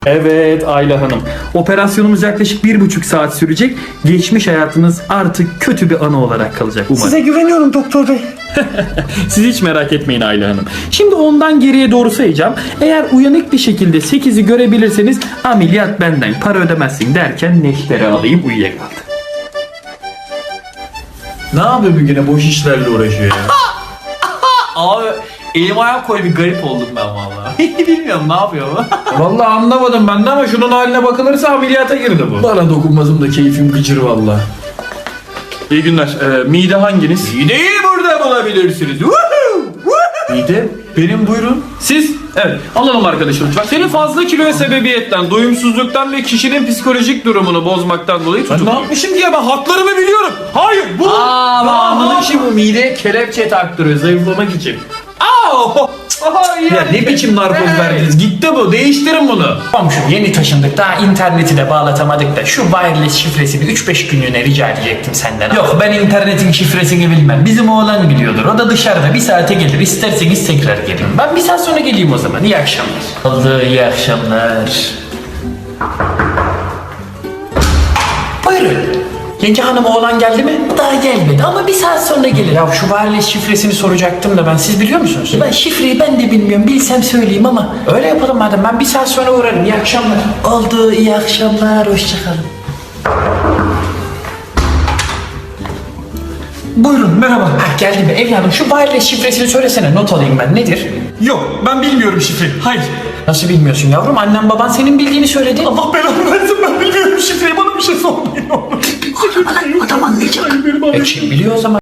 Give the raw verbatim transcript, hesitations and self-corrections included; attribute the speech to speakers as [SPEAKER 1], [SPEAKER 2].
[SPEAKER 1] Evet Ayla Hanım. Operasyonumuz yaklaşık bir buçuk saat sürecek. Geçmiş hayatınız artık kötü bir anı olarak kalacak umarım.
[SPEAKER 2] Size güveniyorum doktor bey.
[SPEAKER 1] Siz hiç merak etmeyin Ayla Hanım. Şimdi ondan geriye doğru sayacağım. Eğer uyanık bir şekilde sekizi görebilirseniz ameliyat benden, para ödemezsin derken neşteri alayım uyuyakaldı.
[SPEAKER 3] Ne yapıyor bir güne boş işlerle uğraşıyor ya?
[SPEAKER 4] Abi elim ayağım koydu, bir garip oldum ben vallahi. Bilmiyorum ne yapıyor bu.
[SPEAKER 3] Vallahi anlamadım ben de ama şunun haline bakılırsa ameliyata girdi bu. Bana dokunmasım da keyfim gıcır valla. İyi günler. Ee, mide hanginiz?
[SPEAKER 4] Mideyi burada bulabilirsiniz.
[SPEAKER 3] Mide. Benim buyurun.
[SPEAKER 1] Siz? Evet. Alalım arkadaşım lütfen.
[SPEAKER 4] Seni fazla kiloya sebebiyetten, doyumsuzluktan ve kişinin psikolojik durumunu bozmaktan dolayı
[SPEAKER 3] Ben ne
[SPEAKER 4] tutukluyorum.
[SPEAKER 3] yapmışım diye ben haklarımı biliyorum. Hayır bu.
[SPEAKER 4] Aa, ben anladım
[SPEAKER 3] şimdi bu mideye kelepçe taktırıyor zayıflamak için.
[SPEAKER 4] Aa,
[SPEAKER 3] Ya ne biçim narkoz verdiniz? Gitti bu. Değiştirin bunu.
[SPEAKER 2] Komşum yeni taşındık, daha interneti de bağlatamadık da şu wireless şifresini üç beş günlüğüne rica edecektim senden. Yok, ben internetin şifresini bilmem. Bizim oğlan biliyordur. O da dışarıda bir saate gelir. İsterseniz tekrar gelin. Ben bir saat sonra geleyim o zaman. İyi akşamlar. Oldu, iyi akşamlar. Buyurun. Yenge hanım, oğlan geldi mi? Daha gelmedi ama bir saat sonra gelir. Ya şu wireless şifresini soracaktım da ben, siz biliyor musunuz? Ben şifreyi ben de bilmiyorum. Bilsem söyleyeyim ama öyle yapalım madem. Ben bir saat sonra uğrarım. İyi akşamlar. Oldu, iyi akşamlar. Hoşçakalın. Buyurun, merhaba. Ha, geldi mi? Evladım şu wireless şifresini söylesene. Not alayım ben. Nedir?
[SPEAKER 3] Yok ben bilmiyorum şifreyi. Hayır.
[SPEAKER 2] Nasıl bilmiyorsun yavrum? Annem baban senin bildiğini söyledi.
[SPEAKER 3] Allah belanı versin ben bilmiyorum şifreyi. Bana bir şey sormayın.
[SPEAKER 2] Adam anlayacak. E kim biliyor o zaman?